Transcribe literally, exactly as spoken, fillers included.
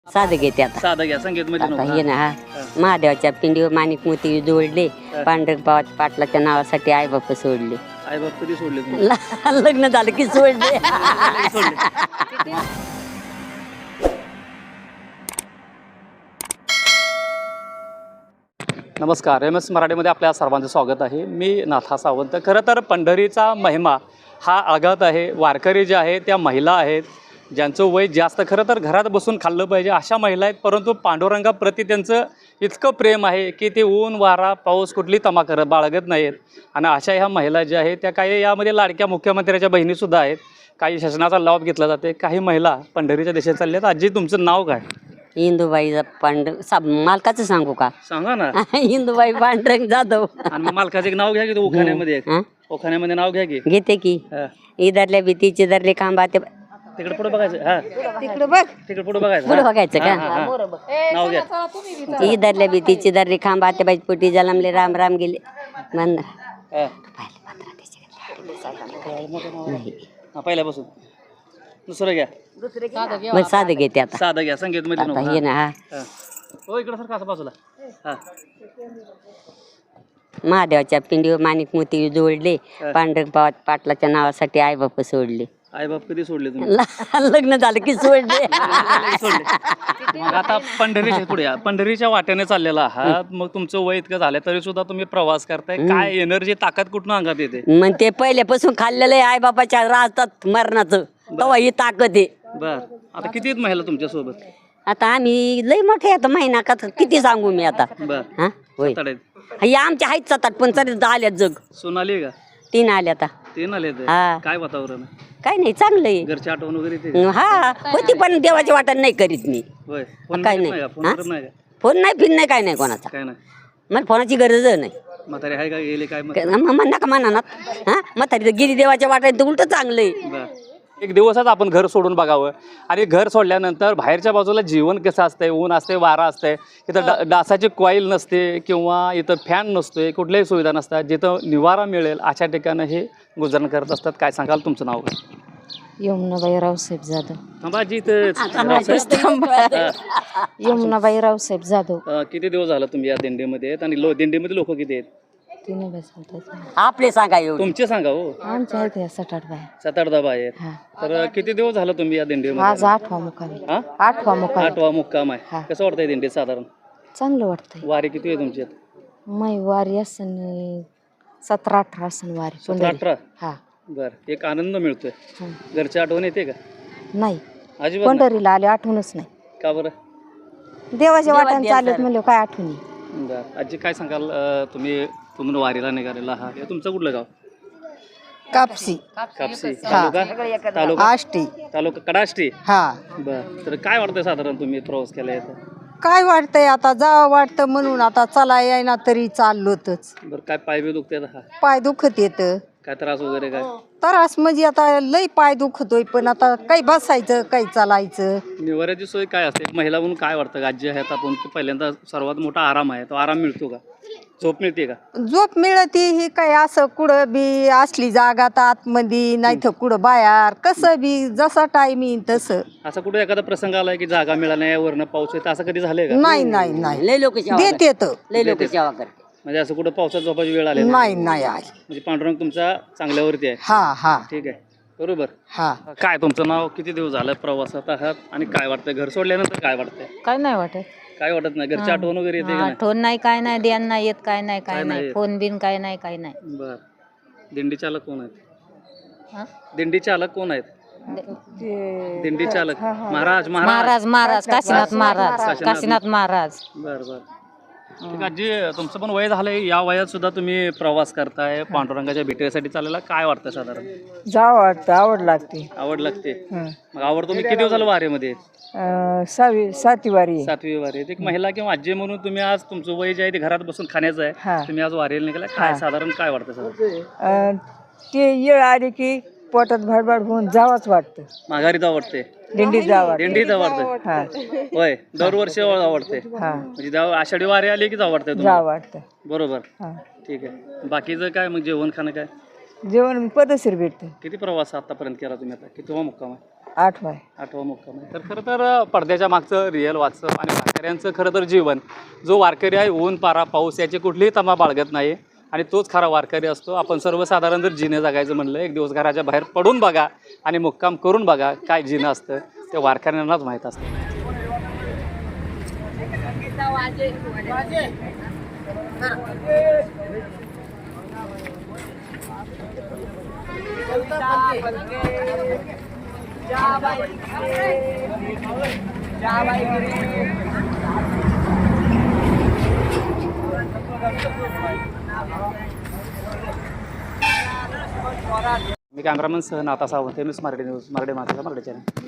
साधं घेते आता साधं घ्या संगीत मध्ये आता हे ना हा महादेवाच्या पिंडीवर माणिक मोती जोडले पांढरक बाबा पाटलाच्या नावासाठी आई बाप सोडले आई बाप कधी सोडले तुम्ही? ल- लग्न झालं की सोडले नमस्कार एम एस मराठीमध्ये आपल्या सर्वांचं स्वागत आहे. मी नाथा सावंत. खरं तर पंढरीचा महिमा हा आघात आहे. वारकरी जे आहे त्या महिला आहेत ज्यांचं वय जास्त, खरं तर घरात बसून खाल्लं पाहिजे अशा महिला आहेत, परंतु पांडुरंगाप्रती त्यांचं इतकं प्रेम आहे की ते ऊन वारा पाऊस कुठली तमा करत बाळगत नाहीत. आणि अशा ह्या महिला ज्या आहेत त्या काही यामध्ये लाडक्या मुख्यमंत्र्याच्या बहिणीसुद्धा आहेत. काही शासनाचा लाभ घेतला जाते. काही महिला पंढरीच्या देशात चालल्या आहेत. आजी तुमचं नाव काय? इंदुबाई पांड साब मालकाचं सांगू का? सांगा ना. इंदुबाई पांडुरंग जाधव. आणि मग मालकाचं एक नाव घ्या की ओखाण्यामध्ये एक. हा? ओखाण्यामध्ये नाव घ्या की. घेते की हा. इधरल्या भीतीचे दरले खांबा ते तिकडे पुढे बघायचं. हा तिकडे बघ तिकडे पुढे बघायचं. पुढे हा. बघायचं हा, हा, हा. का? नाव घ्या. इधरल्या भीतीचे दरले खांबा ते बाई पोटी जलमले राम राम गेले म्हण हा. हा, पहिल्यापासून दुसरं घ्या. मग साधं घेते आता साधं घ्या संगीत मध्ये आता नको. हे ना हा हा. हो इकडे सर कसं बाजूला. हा महादेवाच्या पिंडीवर माणिक मोती जोडले पांढरक बाबा पाटलाच्या नावासाठी आई बाप सोडले आई बाप कधी सोडले तुम्ही? ल- लग्न झालं की सोडले सोडले. मग आता पंढरीच्या पुढे या. पंढरीच्या वाटेने चाललेला आहात. मग तुमचं वय इतकं झालं तरी सुद्धा तुम्ही प्रवास करताय. काय एनर्जी ताकद कुठून अंगात येते? मग ते पहिल्यापासून खाल्लेलं आहे आई बापाच्या राहतात मरणाचं तेव्हा ही ताकद आहे. बर आता किती आहेत महिला तुमच्या सोबत? आता आम्ही लय मोठे आता महिना का किती सांगू मी आता बर हा होय सात आहेत. हे आमच्या आहेत सातात पण तरी आल्यात जग सोनाली का? तीन आल्या आता तीन आले ते. हा. काय वातावरण आहे? काय नाही चांगलं आहे घरची आठवण वगैरे येते? हा होती पण देवाच्या वाटण नाही करीत मी होय. फोन काय करत नाही. नाही का? फोन हा? करत नाही का? फोन नाही फिर नाही काय नाही कोणाचा काय नाही. मला फोनाची गरज नाही म्हातारे आहे का गेले काय मग? म्हणा का म्हणा ना हा म्हातारी गिरी देवाच्या वाटायला तर उलट चांगलं आहे. बर एक दिवसच आपण घर सोडून बघावं. आणि घर सोडल्यानंतर बाहेरच्या बाजूला जीवन कसं असतंय, ऊन असते वारा असते, इथं डा डासाची कॉईल नसते किंवा इथं फॅन नसतोय, कुठल्याही सुविधा नसतात. जिथं निवारा मिळेल अशा ठिकाणी हे गुजरण करत असतात. काय सांगाल तुमचं नाव काय? यमुनाबाई रावसाहेब जाधव. थांबाजी इथं यमुनाबाई रावसाहेब जाधव. अं, किती दिवस झालं तुम्ही या दिंडीमध्ये आहेत आणि लो दिंडीमध्ये लोक किती आहेत? तिने बसवतात आपले सांगा एवढं तुमचे सांगा हो. आमच्या आहेत या सात आठ बाया. सात आठ दहा आहेत. हा. तर किती दिवस झालं तुम्ही या आज दिंडीमध्ये? आठवा मुक्काम आहे. हा आठवा मुक्काम आहे. आठवा मुक्काम आहे. हा. कसं वाटतंय दिंडीत साधारण? चांगलं वाटतंय. वारी किती आहे तुमची? मै वारी असन सतरा अठरा असन वारी सतरा पंढरी. अठरा. हा बर एक आनंद मिळतोय. हं. घरची आठवण येते का? नाही अजिबात नाही. पंढरीला आले आठवणच नाही. का बरं? देवाच्या वाटाने देवाच्या चालत म्हणलं काय आठवणी. बर आजी काय सांगाल? अं, तुम्ही तुम्ही वारीला निघालेला आहात. हे तुमचं कुठलं गाव? कापसी कापसी तालुका तालुका आष्टी तालुका कडाष्टी. हा बर तर काय वाटतंय साधारण तुम्ही प्रवास केला येतं? काय वाटतंय आता जावं वाटतं म्हणून आता चला यायना तरी चाललोतच. बरं काय पाय बी दुखते हा? पाय दुखत येत काय त्रास वगैरे काय? त्रास म्हणजे आता लय पाय दुखतोय पण आता काही बसायचं काही चालायचं. निवाऱ्याची सोय काय असते? एक महिला म्हणून काय वाटतं? आजी आहेत आपण की पहिल्यांदा सर्वात मोठा आराम आहे, तो आराम मिळतो का? झोप मिळते का? झोप मिळती ही काय असं कुठं बी असली जागा तर आतमध्ये नाही तर कुठं बाहेर कसं बी जसा टाइम येईल तसं. असं कुठे एखादा प्रसंग आलाय की जागा मिळाला नाही वरनं पाऊस येतं असं कधी झालंय का? नाही नाही नाही लय लोक देते तर लय लोक सेवा करते. म्हणजे असं कुठं पावसात झोपाची वेळ आली नाही नाही आहे. म्हणजे पांडुरंग तुमचा चांगल्यावरती आहे. हा हा ठीक आहे बरोबर. हा काय तुमचं नाव? किती दिवस झालं प्रवासात आहात आणि काय वाटतंय? घर सोडल्यानंतर काय वाटतंय? काय नाही वाटत. काय वाटत नाही? घरची आठवण वगैरे येते का नाही? आठवण नाही काय नाही ध्यान नाही येत काय नाही काय काय नाही नाही येत. फोन बिन काय नाही काय नाही. बर दिंडी चालक कोण आहेत? हा? दिंडी चालक कोण आहेत? दिंडी चालक महाराज महाराज महाराज महाराज काशीनाथ महाराज काशीनाथ. काशीनाथ महाराज. बर बर ठीक आहे. जी तुमचं पण वय झालंय, या वयात सुद्धा तुम्ही प्रवास करताय पांडुरंगाच्या भेटीसाठी चाललेला. काय वाटतं साधारण? जावं वाटतं आवड लागते. आवड लागते. मग आवड तुम्ही किती दिवस झालं वारीमध्ये? सहावी सातवी वारी सातवी वारी. एक महिला किंवा आजी म्हणून तुम्ही आज तुमचं वय जे आहे ते घरात बसून खाण्याचं हा. आहे, तुम्ही आज वारीला निघाला. काय साधारण काय वाटतं साधारण? अं, ते येळ आली की पोटात भडभड होऊन जावंच वाटतं. माघारी आवडते, दिंडीत जावं दिंडीत आवडते. हा होय दरवर्षी आवडते. हा म्हणजे जेव्हा आषाढी वारी आली की आवडते जावं तुम्हाला? वाटतं. बरोबर हा ठीक आहे. बाकीचं काय मग जेवण खाणं काय? जेवण पदशीर भेटतं. किती प्रवास आतापर्यंत केला तुम्ही? आता किती मुक्काम आहे? आठवा आहे. आठवा मुक्काम आहे. तर खरं तर पडद्याच्या मागचं रिअल वाचप आणि वारकऱ्यांचं खरं तर जीवन, जो वारकरी आहे ऊन पारा पाऊस याची कुठलीही तमा बाळगत नाही आणि तोच खरा वारकरी असतो. आपण सर्वसाधारण जर जिने जगायचं म्हणलं, एक दिवस घराच्या बाहेर पडून बघा आणि मुक्काम करून बघा, काय जिनं असतं ते वारकऱ्यांनाच माहीत असतं. मी कॅमेरामन सह नाथा सावंत, न्यूज मराठी न्यूज मराठी माणसाचा मराठी चॅनल.